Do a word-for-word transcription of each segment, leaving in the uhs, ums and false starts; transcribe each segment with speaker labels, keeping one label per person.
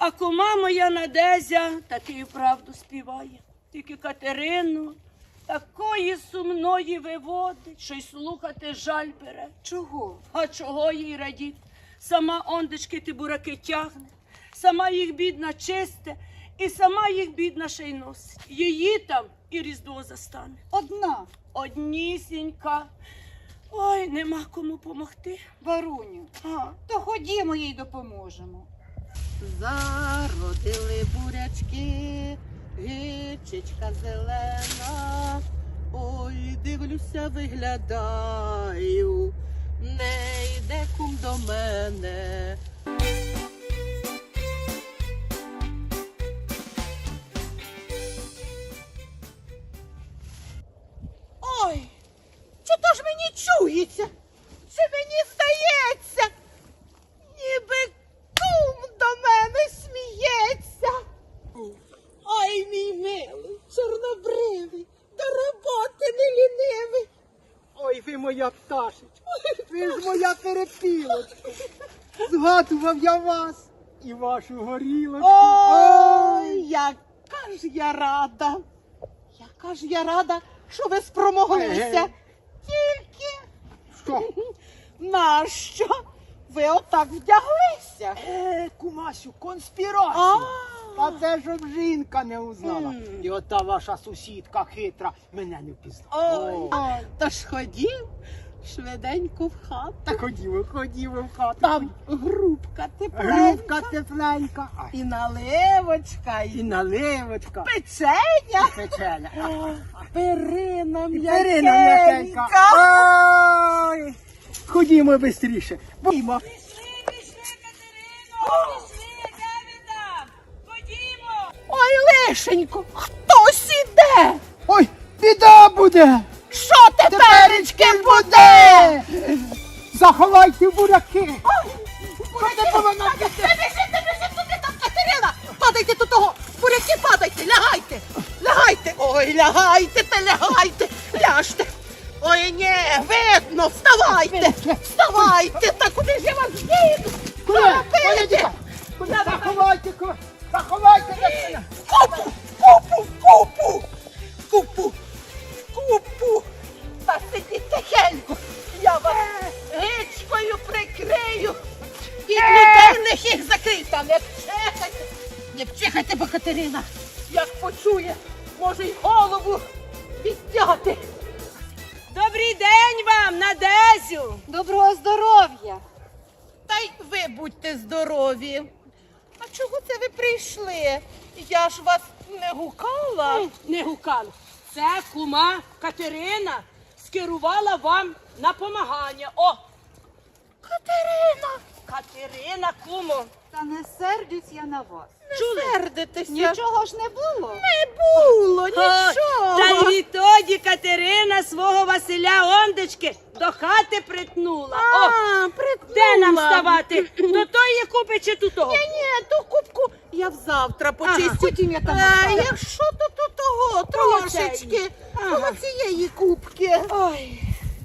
Speaker 1: А кума моя Надезя таки і правду співає. Тільки Катерину такої сумної виводить, що й слухати жаль бере.
Speaker 2: Чого?
Speaker 1: А чого їй радіть? Сама ондечки ті бураки тягне, сама їх бідна чисте, і сама їх бідна ще й носить. Її там і Різдво застане.
Speaker 2: Одна.
Speaker 1: Однісінька. Ой, нема кому помогти.
Speaker 2: Варуню,
Speaker 1: А.
Speaker 2: то ходімо їй допоможемо.
Speaker 3: Зародили бурячки, гичечка зелена. Ой, дивлюся, виглядаю, не йде кум до мене. Ой, чи то ж мені чується? Чи мені здається? Ніби кум до мене сміється. Ой, мій милий, чорнобривий, до роботи не лінивий.
Speaker 4: Ой, ви моя пташечка, ви ж моя перепілочка. Згадував я вас і вашу горілочку.
Speaker 3: Ой, яка ж я рада, яка ж я рада, що ви спромоглися.
Speaker 4: Еге.
Speaker 3: Тільки
Speaker 4: Що?
Speaker 3: нащо ви отак вдяглися?
Speaker 4: Е, кумасю, конспірація.
Speaker 3: А,
Speaker 4: Та це щоб жінка не узнала.
Speaker 3: М.
Speaker 4: І ота ваша сусідка хитра мене не впізнала.
Speaker 3: ой,
Speaker 4: О.
Speaker 3: та ж ходів швиденько в хату.
Speaker 4: Та ходімо, ходімо в хату.
Speaker 3: Там грубка тепленька,
Speaker 4: Грубка тепленька. А,
Speaker 3: і наливочка,
Speaker 4: і
Speaker 3: і
Speaker 4: наливочка.
Speaker 3: печеня,
Speaker 4: Печеня. А,
Speaker 3: перина
Speaker 4: Перина
Speaker 3: м'якенька.
Speaker 4: м'якенька. Ой. Ходімо швидше. Ходімо.
Speaker 1: Пішли, пішли, Катерино, пішли, де ви там? Ходімо.
Speaker 3: Ой, лишенько, хтось іде.
Speaker 4: Ой, біда буде.
Speaker 3: Що теперечки буде?
Speaker 4: Заховайте буряки.
Speaker 3: Буряки, не біжите, не біжите туди, там Катерина. Падайте до того, буряки падайте, лягайте, лягайте. Ой, лягайте та лягайте, ляжте. Ой, ні, видно, вставайте, вставайте, та куди ж я вас діду?
Speaker 4: Куди? Куди діти? Куди? Заховайте, ку- заховайте дитина.
Speaker 3: Купу, купу, купу, купу, купу. Та сидіть тихенько, я вас гичкою прикрию. І людерних їх закрий, та не вчихайте, не вчихайте, бо Катерина, як почує, може й голову відняти.
Speaker 1: Добрий день вам, Надезю.
Speaker 2: Доброго здоров'я.
Speaker 3: Та й ви будьте здорові. А чого це ви прийшли? Я ж вас не гукала.
Speaker 1: Не гукали. Це кума Катерина скерувала вам на помагання. О,
Speaker 3: Катерина,
Speaker 1: Катерина, кумо.
Speaker 2: Та не сердюсь я на вас.
Speaker 3: не сердитеся.
Speaker 2: Нічого ж не було.
Speaker 3: Не було
Speaker 1: О,
Speaker 3: нічого.
Speaker 1: Та й відтоді Катерина свого Василя Ондечки до хати притнула. О,
Speaker 3: А, притнула.
Speaker 1: де нам ставати? До тої купи чи до того?
Speaker 3: Ні, ні, ту кубку я взавтра почистю.
Speaker 2: Потім я там
Speaker 3: А,
Speaker 2: оставлю.
Speaker 3: якщо то, то того трошечки, коло цієї кубки.
Speaker 1: Ой,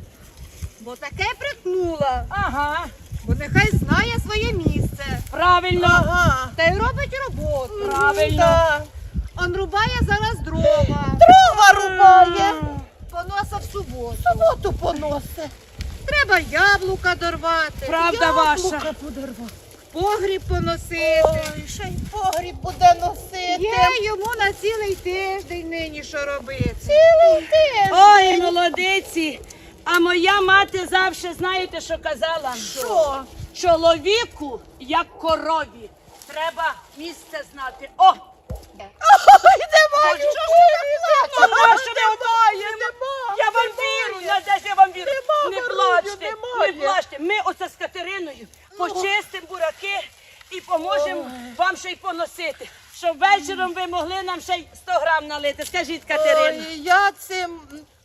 Speaker 2: Бо таке притнула.
Speaker 1: ага,
Speaker 2: Бо нехай знає своє місце.
Speaker 1: правильно.
Speaker 3: Ага.
Speaker 2: Та й робить роботу.
Speaker 1: Правильно.
Speaker 3: Да.
Speaker 2: Он рубає зараз дрова.
Speaker 3: Дрова рубає.
Speaker 2: Поноса в суботу.
Speaker 3: Суботу поносе.
Speaker 2: Треба яблука дорвати.
Speaker 1: Правда ваша.
Speaker 3: Яблука подорвати.
Speaker 2: Погріб поносити.
Speaker 3: Ой, ще й погріб буде носити.
Speaker 2: Є йому на цілий тиждень нині що робити.
Speaker 3: Цілий день.
Speaker 1: Ой, молодиці. А моя мати завжди, знаєте, що казала?
Speaker 3: Що?
Speaker 1: Чоловіку, як корові, треба місце знати. О!
Speaker 3: Ой, немає, що ж ти
Speaker 1: Ну,
Speaker 3: плачеш?
Speaker 1: що ви
Speaker 3: Немає, немає.
Speaker 1: Я вам вірю, Надежда, я вам вірю.
Speaker 3: Нема,
Speaker 1: Не
Speaker 3: Варуню,
Speaker 1: плачте,
Speaker 3: немає.
Speaker 1: не плачте. Ми оце з Катериною почистимо бураки і поможемо вам ще й поносити. Щоб вечором ви могли нам ще й сто грам налити. Скажіть, Катерина.
Speaker 3: Ой, я цим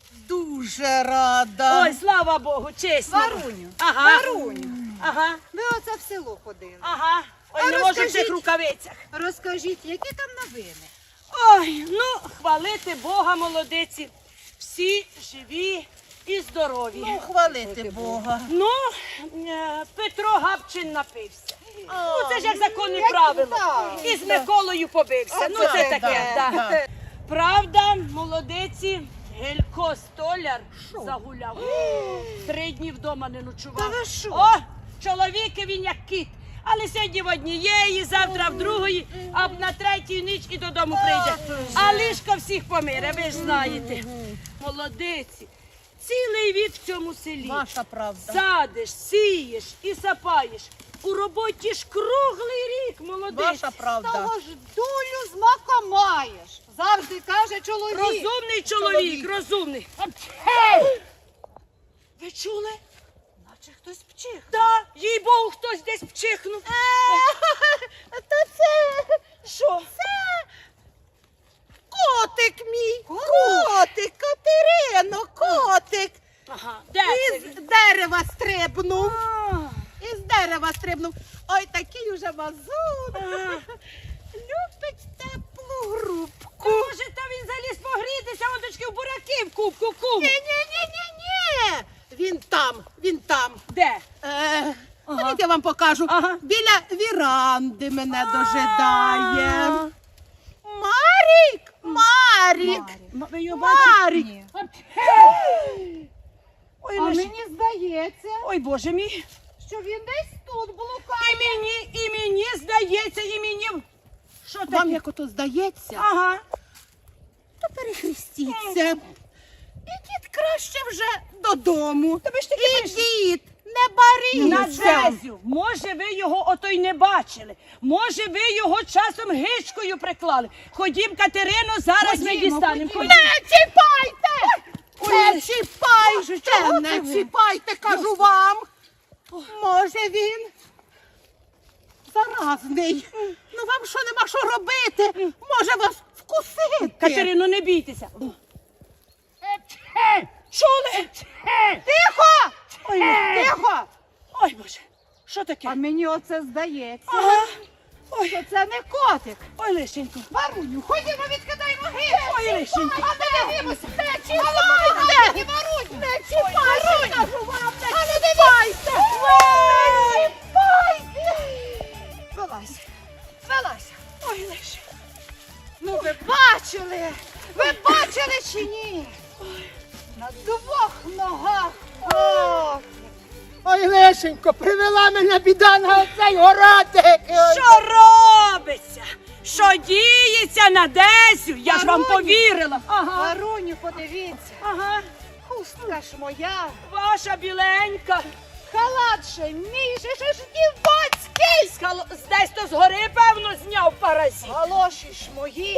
Speaker 3: дуже рада.
Speaker 1: Ой, слава Богу, чесно.
Speaker 2: Варуню,
Speaker 1: Ага.
Speaker 2: Варуню,
Speaker 1: Ага,
Speaker 2: ви оце в село ходили.
Speaker 1: ага. Ой,
Speaker 2: А
Speaker 1: не можу в
Speaker 2: розкажіть.
Speaker 1: цих рукавицях.
Speaker 2: Розкажіть, які там новини?
Speaker 1: Ой, ну, хвалити Бога, молодиці. Всі живі і здорові.
Speaker 3: Ну, хвалити Бога.
Speaker 1: Ну, е, Петро Гапчин напився. Ну, це ж як законне правило. І з Миколою побився. Ну, це таке, так. Правда, молодиці, Гелько столяр загуляв. Три дні вдома не ночував.
Speaker 2: Та ви що?
Speaker 1: О, чоловіки він як кіт. Але сьогодні в однієї, завтра в другої, а на третю ніч і додому прийде. А лишка всіх помире, ви ж знаєте. Молодиці, цілий вік в цьому селі.
Speaker 2: Ваша правда.
Speaker 1: Садиш, сієш і сапаєш. У роботі ж круглий рік, молодиці.
Speaker 2: Ваша правда.
Speaker 3: Того ж долю з мака маєш. Завжди каже чоловік.
Speaker 1: Розумний чоловік, розумний. Ви чули?
Speaker 3: Наче хтось вчих.
Speaker 1: Так, їй Богу, хтось десь вчихнув.
Speaker 3: Та це
Speaker 1: Що?
Speaker 3: котик мій. Котик, Катерино, котик.
Speaker 1: Ага, де це
Speaker 3: Із
Speaker 1: він?
Speaker 3: дерева стрибнув.
Speaker 1: А,
Speaker 3: Із дерева стрибнув. Ой, такий уже мазун.
Speaker 1: ага.
Speaker 3: Любить теплу грубку.
Speaker 1: Може, та він заліз погрітися, оточки в бураки в кубку, кум.
Speaker 3: Ні-ні-ні-ні-ні. Він там, він там.
Speaker 1: Де?
Speaker 3: Е, ходіть, я вам покажу.
Speaker 1: Ага.
Speaker 3: Біля віранди мене дожидає. Марік! Марік!
Speaker 1: М- Ви його бачите?
Speaker 3: Марік!
Speaker 1: Ой,
Speaker 3: А
Speaker 1: Леш-
Speaker 3: мені здається,
Speaker 1: Ой, Боже мій.
Speaker 3: що він десь тут
Speaker 1: І
Speaker 3: блукає.
Speaker 1: мені, і мені здається, і мені... Що таке?
Speaker 3: Вам як ото здається,
Speaker 1: Ага.
Speaker 3: то перехрестіться. Ідіть краще вже додому.
Speaker 1: Та ви ж таки
Speaker 3: Ідіть, не баріться.
Speaker 1: Надезю, може ви його ото й не бачили. Може ви його часом гичкою приклали. Ходім, Катерино, зараз ми
Speaker 3: Ходімо,
Speaker 1: дістанемо.
Speaker 3: ходімо.
Speaker 1: Ходім.
Speaker 3: Не чіпайте! Не
Speaker 1: Ой,
Speaker 3: чіпайте!
Speaker 1: чого
Speaker 3: Не
Speaker 1: ти ви?
Speaker 3: чіпайте, кажу вам. Може він заразний. Ну вам що нема що робити? Може вас вкусити?
Speaker 1: Катерино, не бійтеся. Чули?
Speaker 3: Тихо!
Speaker 1: Ой,
Speaker 3: Тихо!
Speaker 1: ой, Боже, що таке?
Speaker 3: А мені оце здається,
Speaker 1: Ага. Ой,
Speaker 3: що це не котик.
Speaker 1: ой, Лишенько.
Speaker 3: Варуню, ходімо, відкидаємо гір.
Speaker 1: Ой, Лишенько.
Speaker 3: А не дивимося. Не чіпайте! Не чіпайте! Кажу вам, не чіпайте! Не чіпайте! Вилазь, вилазь.
Speaker 1: Ой, Лишенько.
Speaker 3: Ну ви бачили? Ви бачили чи ні? На двох ногах. О!
Speaker 4: Ой, Лешенько, привела мене біда на цей городик.
Speaker 1: Що робиться? Що діється на Десю? Я ж вам
Speaker 3: Варуню.
Speaker 1: повірила. Ага,
Speaker 3: Варуню, подивіться.
Speaker 1: ага.
Speaker 3: Хустка ж моя.
Speaker 1: Ваша біленька.
Speaker 3: Халат же мій же ж дівоцький.
Speaker 1: Скало... Десь то згори, певно, зняв паразит.
Speaker 3: Галоші ж мої.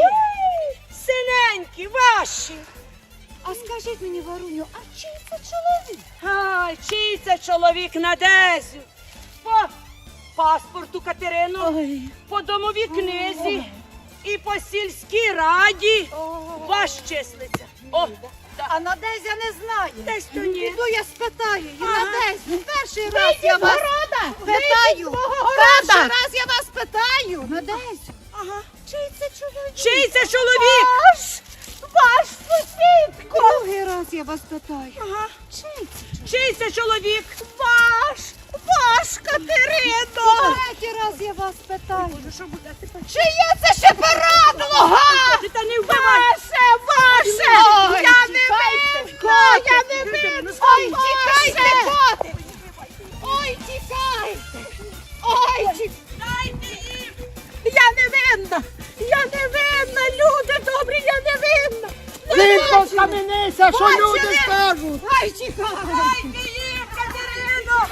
Speaker 1: Синенькі, ваші.
Speaker 3: А скажіть мені, Варуню, а чий це чоловік?
Speaker 1: Ай, чий це чоловік на Дезю? По паспорту Катерино, по домовій книзі і по сільській раді ваш числиться. О, да.
Speaker 3: А Надезя не знає.
Speaker 1: Десь то ні.
Speaker 3: Піду я спитаю її.
Speaker 1: Ага.
Speaker 3: Надезю, перший раз я вас питаю. Перший раз я вас питаю. Надезю,
Speaker 1: Ага.
Speaker 3: чий це чоловік?
Speaker 1: Чий це чоловік?
Speaker 3: Ваш, ваш сусідко. Другий раз я вас питаю.
Speaker 1: Ага.
Speaker 3: Чий це?
Speaker 1: Чий це чоловік?
Speaker 3: Ваш, ваш, Катерино. Третій раз я вас питаю.
Speaker 1: Що буде тепер?
Speaker 3: Чиє це ще порадлога?
Speaker 1: Ти та не вбивай!
Speaker 3: Ваше, ваше!
Speaker 1: Ой,
Speaker 3: Я не
Speaker 1: тікайте,
Speaker 3: винна! Я не
Speaker 1: Катерино,
Speaker 3: винна!
Speaker 1: скажіть.
Speaker 3: Ой, тікайте, котик! Ой, тікайте! Ой, тікайте!
Speaker 1: Дайте їм!
Speaker 3: Я не винна! Я не винна! Люди добрі, я не винна!
Speaker 4: Тихо, схаменися, що
Speaker 3: Бачили?
Speaker 4: люди скажуть.
Speaker 3: Ай, тікайте!
Speaker 1: Дайте їм, Катерино!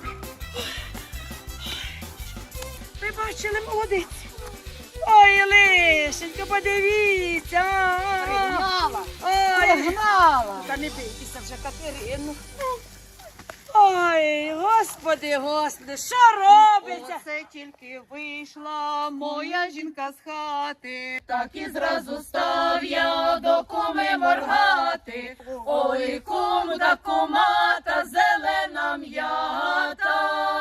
Speaker 1: Ви бачили, молодиці? Ой, Лишенько, подивіться! а, а, а.
Speaker 3: Пригнала!
Speaker 1: Ой,
Speaker 3: Пригнала!
Speaker 1: та не бійтеся вже, Катерину. Ой, господи, господи, що робиться?
Speaker 3: Оце тільки вийшла моя жінка з хати, так і зразу став я до куми моргати. Ой, кум да кумата, зелена м'ята.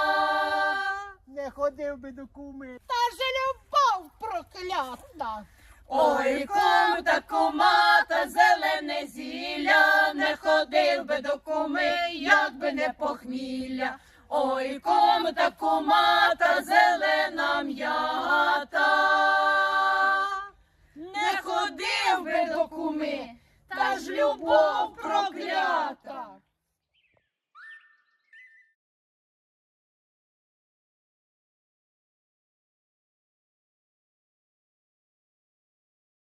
Speaker 4: Не ходив би до куми.
Speaker 3: Та же любов проклята.
Speaker 5: Ой, кум та кумата, зелене зілля, не ходив би до куми, як би не похмілля. Ой, кум та кумата, зелена м'ята. Не ходив би до куми, та ж любов